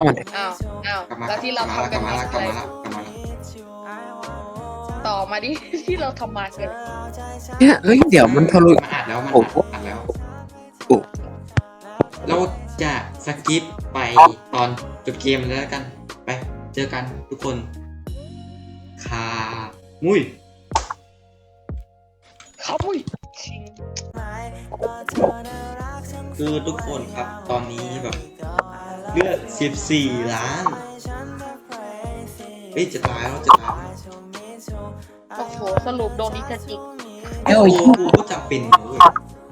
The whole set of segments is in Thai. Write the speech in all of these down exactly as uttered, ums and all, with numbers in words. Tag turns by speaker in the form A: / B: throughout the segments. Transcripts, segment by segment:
A: มัน
B: อ้าวอ้าว
C: กลับมา
B: แล้วที่เรา
C: กลับ
B: ทำกัน
C: มา
B: มา
C: ละก
B: คื
C: ลั
B: อบ อะไร
C: มาละกลับมาละ
B: ต่อมาดิ ที่เราทำมาคืออะไร
A: เนี่ยเอ้ยเดี๋ยวมันทะลุ
C: มาอัดแล้วมัน
A: โอ้โห
C: อัดแล้ว
A: โอ้
C: เราจะสกิปไปตอนจบเกมแล้วกันไปเจอกันทุกคนคามุ้ย
B: เขามุ้ยชิง
C: คือทุกคนครับตอนนี้แบบเลือดสิบสี่ล้านเฮ้ยจะตายแล้วจะตายแล้ว
B: โอ้โหสรุปโดนอิชาจิ
A: เอ้ย
C: โอ้กูก็จะเป็นนะเว้ย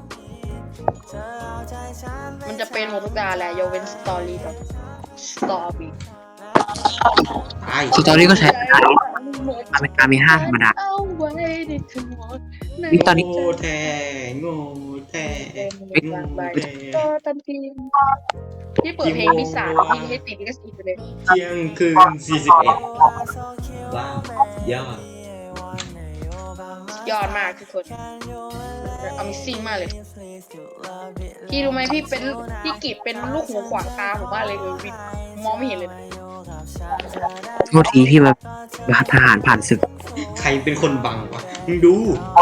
B: มันจะเป็นหมดทุกดาแหละยกเว้นสตอรี่กับสตอรี่
C: ตาย
A: สตอรี่ก็ใช้อเมริกามีห้าธรรมดา
B: เอาไว้ในทั้งหมดใน
A: นี่ตอนนี้
C: โง่แท้โง่แท้โง่แท้
B: ก็ทันทีที่เปิดเพลงพิสานมีให้ติดก็สิบไปเลย
C: เที่ยงคืนสี่สิบเอ็ดว้าวยอด
B: ยอดมากทุกคนอ Amazing มากเลยพี่รู้ไหมพี่เป็นพี่กิจเป็นลูกหูขวางตาผมมากเลยเลยวิมองไม่เห็นเลยนะ
A: โทษทีพี่มาทหารผ่านศึก
C: ใครเป็นคนบังวะมึงดู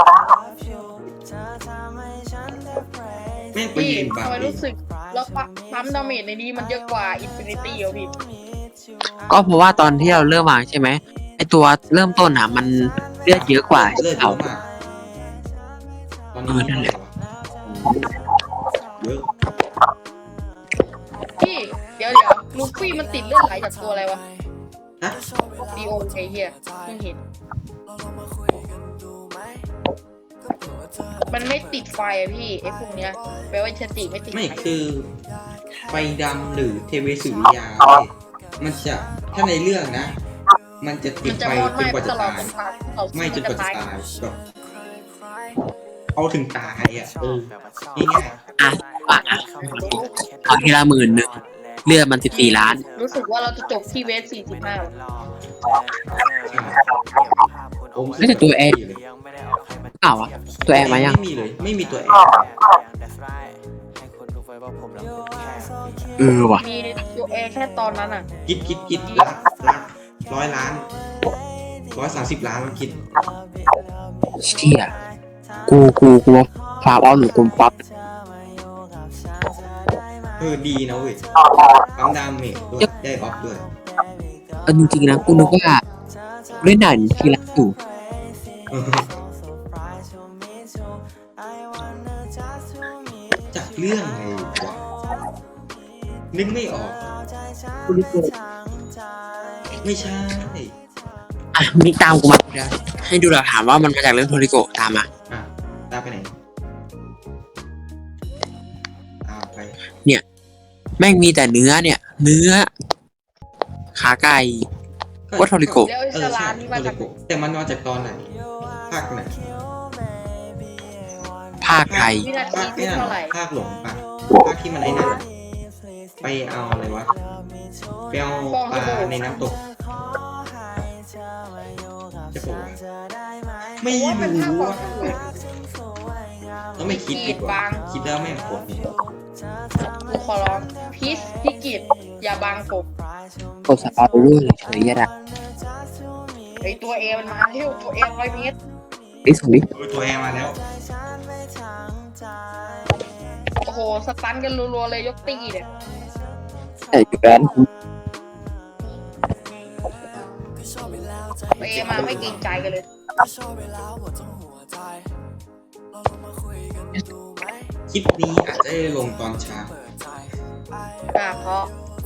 C: แม่งไป
B: พี่
C: ยืนบัง
B: ทำไม
C: ดิ
B: รู้สึกแล้วปั๊มดาเมจในนี้มันเยอะกว่า Infinity อ่ะพี่
A: ก็เพราะว่าตอนที่เราเริ่มวางใช่ไหมไอตัวเริ่มต้นอ่ะมันเลือดเยอะกว่า
C: เลือดเย
A: เอา
C: อะมากตอนนี้
A: เออนั่นแหละ
C: เยอะ
B: พี่เดี๋ยวเดี๋ยวลูฟี่มันติดเลือดไหลจากตัวอะไรวะ
C: ฮะ
B: ดีโอไอเฮียเพิ่งเห็นมันไม่ติดไฟอะพี่ไอ้พวกเนี้ยแปลว่าชติไม่ติด
C: ไม่
B: ไฟ
C: คือไฟดำหรือเทเวสุริยาเว้ยมันจะถ้าในเรื่องนะ มันจะติ
B: มั
C: ด
B: นจะ
C: ไฟ
B: มอด
C: จ
B: ไหม้
C: นกว่า
B: ต
C: จะ
B: ลอด
C: ตาย
B: จนตายเรา
C: ไม่จนกว่าจะ
B: ตาย
C: ตายแบบเอาถึงตายอ่ะเออง่าย
A: อ่ะอ่ะอ่ะเอาทีละหมื่นหนึ่งเลือดมันสิบสี่ล้าน
B: รู้สึกว่าเราจะจบที่เวสสี่สิบห้า
C: ๆผม
A: ไม่แต่ตัวเอง เปล่าวะตัวแอร์มายัง
C: ไม่มีเลย ไม่มีตัวแอร์
A: เออว่ะ
B: มีตัวเอแค่ตอนนั้นอ่ะ
C: คิดคิดคิดล้านล้านร้อยล้านร้อยสามสิบล้านมันคิด
A: เชี่ยกูกูกูฟาร์มเอาหนูกูปั๊บ
C: เออดีนะเว้ยปั๊มดามเมจด้วยได้ออฟด้วย
A: เออจริงๆนะกูนึกว่าเล่นด่านทีละอยู่
C: เออจากเรื่องไงวะนึกไม่ออก
A: กูนึกว่า
C: ไม่ใช่
A: อ่ะมีตามกูมาเดี๋ยวให้ดูหลักฐานว่ามันมาจากเรื่องโทริโกะตามมา
C: อ่ะตามไปไหนตามไป
A: แม่งมีแต่เนื้อเนี่ย เนื้อ ขาไก่ ว่าโทริโกะ
B: แล้วอิ
C: เอ
B: ส
C: อ
B: ลา
C: ใช่
B: มนี่
C: โท
B: มา
C: ริ
B: จาก
C: โกะแต่มันมาจากตอนไหนภาคไหน
A: ภาคไทย
B: วินาที
C: ภาค
B: ที่
C: เนี่ย
B: เท่าไหร่
C: ภาคหลงปะภาคที่มันไอ้นั่นอะไปเอาอะไรวะไปเอาปลาในน้ำตกจะบอกว่าไม่
B: ว่าเป็นภาค
C: รู้
B: ก่อน
C: ว่าต้องไม่คิดดีกว่าคิดแล้วไม่ผลนี่
B: กูขอร้องพีชพี่กิจอย่าบังผม
A: กดสปาร์รูเฉยๆยะดะ
B: ไอตัวเอมันมาเที่ยวตัวเอร้อยเมตร
A: ไอ้สุดดิ
C: เออตัวแอร์มาแล้ว
B: โอ้โหสตันกันรัวๆเลยยกตีเนี่ย
A: แต่อยู่ร้าน
B: ตัวเอมาไม่เกรงใจกันเลย
C: คลิปนี้อาจจะได้ลงตอนเช้า
B: อ่าเพราะ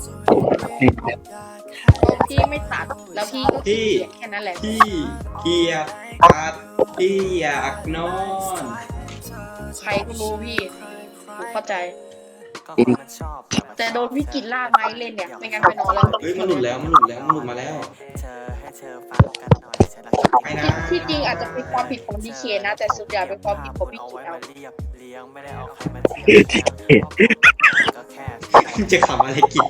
B: พี่ไม่ตัดแล้วพี่ก็เขียนแค่นั้นแหละ
C: ที่เกียร์ตัดที่อยากนอน
B: ใครก็รู้พี่ผมเข้าใจ
A: ไอ้นี่
B: แต่โดนพี่กิจลากไม้เล่นเนี่ยไม่งั้นไปนอนแล้ว
C: เฮ้ยมันหลุดแล้วมันหลุดแล้วมันหลุดมาแล้วไปนะ
B: ที่จริงอาจจะเป็นความผิดของดีเคนะแต่ส่วนใหญ่เป็นความผิดของพี่กิจเอา
C: จะขำอะไรกิจ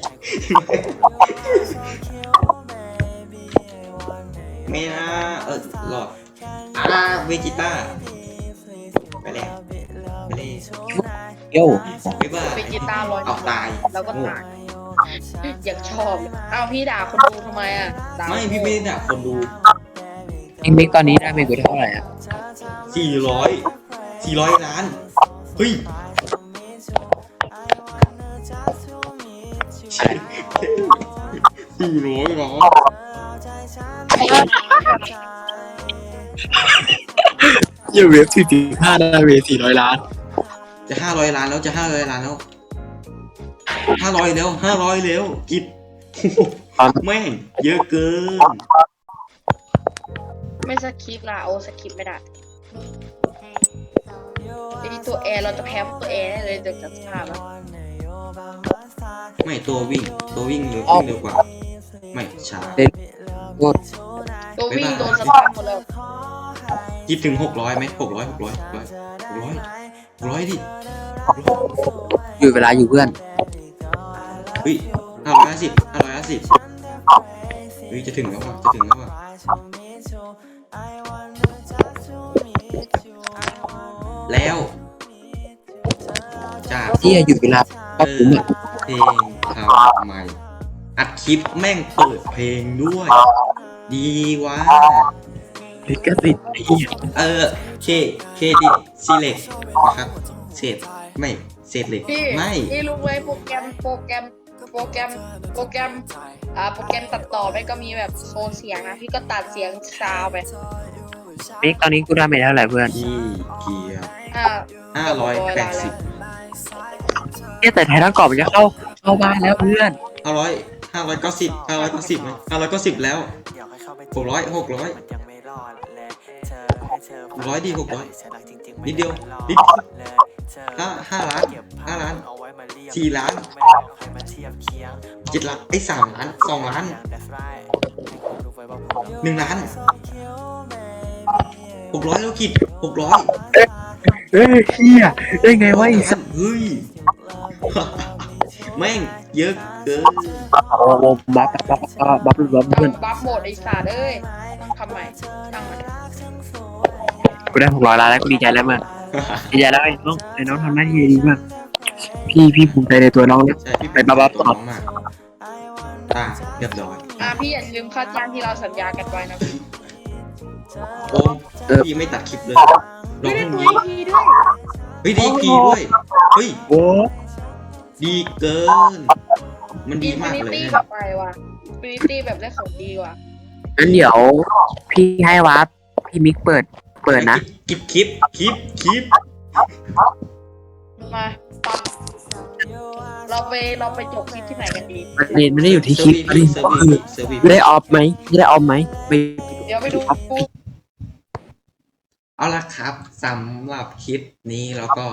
C: ไม่นะเออหลอดอ่าเวจิต้าไปแล้วไปเลย
A: โย่
C: บ๊ายบาย
B: เป็นกีตาร์ลอย
C: เอาตาย
B: แล้วก็ตาย
C: โ
B: อยากชอบเอ้าพี่ด่าคนดูทำไมอ่ะด่า
C: ไม่พี่ไม่ได้ด่าคนดู
A: เองมิกตอนนี้ได้เมกูเท่าไหร่อ่ะ
C: สี่ร้อยสี่ร้อยล้านเฮ้ย
A: ใช่
C: สี่ร้อยล้าน
A: เยอะเวฟสี่สิบห้าได้เวฟสี่ร้อยล้าน
C: จะห้าร้อยล้านแล้วจะห้าร้อยล้านแล้วห้าร้อยแล้วห้าร้อยแล้วกิบแม่งเยอะเกิน
B: ไม่สคริปต์ละโอ้สคริปต์ไม่ได้ไอตัวแอร์เราจะแพ้ตัวแอร์ได้เลยเดี๋ยวจะสภาพอะ
C: ไม่ตัววิ่งตัววิ่งเร็ววิ่งเร็วกว่าไม่ช้า
A: โคตร
B: ตัววิ่งโดนสภาพหมดแล้ว
C: กิบถึงหกร้อยไหมหกร้อยหกร้อยหกร้อยหกร้อยหกร้อยดิ
A: อยู่เวลาอยู่เพื่อน
C: เฮ้ยห้าร้อยห้าสิบห้าร้อยห้าสิบเฮ้ยจะถึงแล้วว่ะจะถึงแล้วว่ะแล้วจาก
A: ที่อยู่เวลาก็คุ้มอ่ะ
C: เพลงทำใหม่อัดคลิปแม่งเปิดเพลงด้วย ดีวะ
A: ลิขสิทธิ์ไอ้เหี้ย
C: เออเคเคดิตซีเล็กนะครับเศษไม่เศษเหล็ก
B: พี่
C: ไม่
B: พี่รู้ไหมโปรแกรมโปรแกรมโปรแกรมโปรแกรมอ่าโปรแกรมตัดต่อไปก็มีแบบโซนเสียงนะพี่ก็ตัดเสียงซาวไป
A: มิกตอนนี้กูได้เมเท่าไหร่เพื่อน
C: ที่เกียร์
B: อ่า
C: ห้าร้อยแปดสิบ
A: เนี่ยแต่ไทยทั้งกรอบมันจะเข้าเข้าบ้านแล้วเพื่อน
C: ห้าร้อยห้าร้อยเก้าสิบห้าร้อยเก้าสิบไหมห้าร้อยเก้าสิบแล้วหกร้อยหกร้อยหกร้อยดีหกร้อยนิดเดียวนิดห้าห้าล้านห้าล้านสี่ล้านเจ็ดล้านไอ้สามล้านสองล้านหนึ่งล้านหกร้อยแล้วกิดหกร้อย
A: เฮ้ยเฮียได้ไงวะไอ้สัส
C: เฮ้ย แม่งเยอะเกิน
A: โอ้โหบัฟบัฟบัฟบัฟบัฟเพื่อน
B: บัฟโหมดไอ้สัตว์เอ้ยต้องทำใหม่ตั้งใหม่
A: กูได้หกร้อยล้านแล้วกูดีใจแล้วมากดีใจแล้วไอ้น้องไอ้น้องทำหน้าที่ดีมากพี่พี่ภูมิใจในตัวน้องเลย
C: ใช่พี่
A: ไปบัฟบัฟ
C: ตัว
A: ต่อ
C: น้องมากตาเรียบร้อย
B: อ่าพี่อย่าลืมค่าจ้างที่เราสัญญากันไว้นะพี่
C: โอ้พี่ไม่ตัดคลิปเลยล
B: ไม่
C: อง
B: ได้
C: พรุ่ง
B: ดู
C: นี้
B: อีกทีด้วย
C: เฮ้ยดีพีด้วย เฮ้ย
A: โอ้
C: ดีเกิน มันดี
B: อิน
C: มา
B: ฟิ
C: ก
B: นิ
C: เลย
B: ตี้
C: นะ
B: แบบไปว่ะอินฟินิตี้แบบได้ของดีว่ะ
A: งั้นเดี๋ยวพี่ให้วับพี่มิกเปิดเปิดนะ
C: คลิปคลิปคลิปคลิป
B: มาปั๊บเราไปเราไปจบคลิปที่ไหนกันดี
A: ประเด็นไม่ได้อยู่ที่คลิปประเด็น
C: เซอร์
A: ก็
C: วี
A: คือ
C: เซอร์วี
A: ได้ออฟไหมได้ออฟไหมไป
B: เดี๋ยวไปดูกู
C: เอาละครับสำหรับคลิปนี้แล้วก็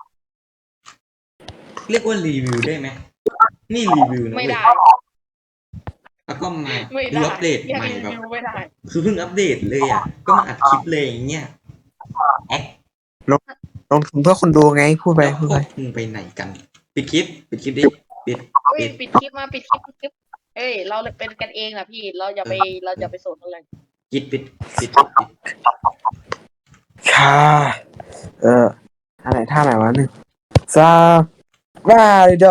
C: เรียกว่ารีวิวได้ไหมนี่รีวิวนะ
B: ไม่
C: เว้ย
B: ได้
C: แล้วก็มา
B: ไม่
C: ดู
B: ได้
C: อัปเดต
B: ยัง
C: ใหม่
B: รี
C: แบบ
B: วิวไม่ได้
C: คือเพิ่งอัปเดตเลยอ่ะ ก็มาอัดคลิปเลยอย่างเงี้ยแอค
A: ลงทุนเพื่อคนดูไงพูดไป
C: แล้ว
A: พูด
C: พว
A: ไป
C: กมึงไปไหนกัน ปิดคลิป ปิดคลิปดิ ปิด
B: เฮ้ย
C: ปิด
B: ปิดคลิปมาปิดคลิปปิดคลิปเอ้ยเราเป็นกันเองนะพี่เราอย่าไปเราอย่าไปสนอะไร
C: ปิดปิดปิดปิด
A: ค่ะเอออะไรท่าไหนวะหนึ่งซาบาโด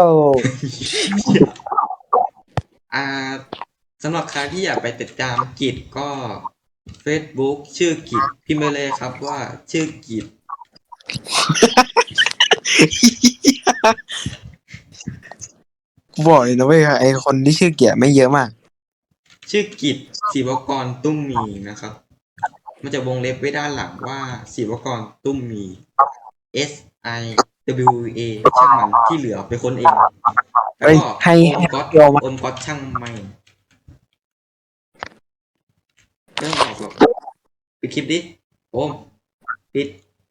C: อ่าสำหรับใครที่อยากไปติดตามกิจก็ Facebook ชื่อกิจพิมพ์ไปเลยครับว่าชื่อกิจ
A: กูบอกเลยนะเว้ยไอคนที่ชื่อเกียร์ไม่เยอะมาก
C: ชื่อกิจศิวกรตุ้มมีนะครับ มันจะวงเล็บไว้ด้านหลังว่าศิวกรตุ้มมี S I W A ช่างมันที่เหลือไปค้นเองแล้ว
A: เฮ้ย
C: ก็
A: ให้
C: โอ
A: ให้
C: มก๊อต
A: โยมมา
C: โอมก๊อตช่างไม่เรื่องออกหรอกปิดคลิปดิโอมปิด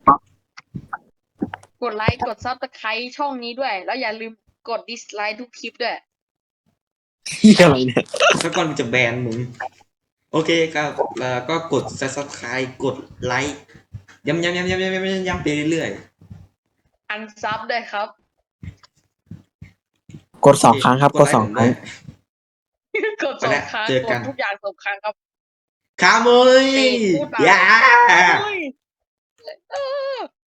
B: กดไลค์กดซับสไครต์ช่องนี้ด้วย แล้วอย่าลืมกดดิสไลค์ทุกคลิปด้วย
A: ที่อะไรเนี่ย
C: ถ้าก่อนจะแบนมึง โอเคครับแล้วก็กด subscribe กดไลค์ย้ำย้ำย้ำย้ำย้ำย้ำย้ำไปเรื่อย
B: อันซับด้วยครับ
A: กดสองครั้งครับ กดสองครั้ง
B: กดสองครั้งกดทุกอย่างสองครั้งครับ
C: คาโมย
B: เตะพูดมา
C: ย่า
B: เฮ้ยเออ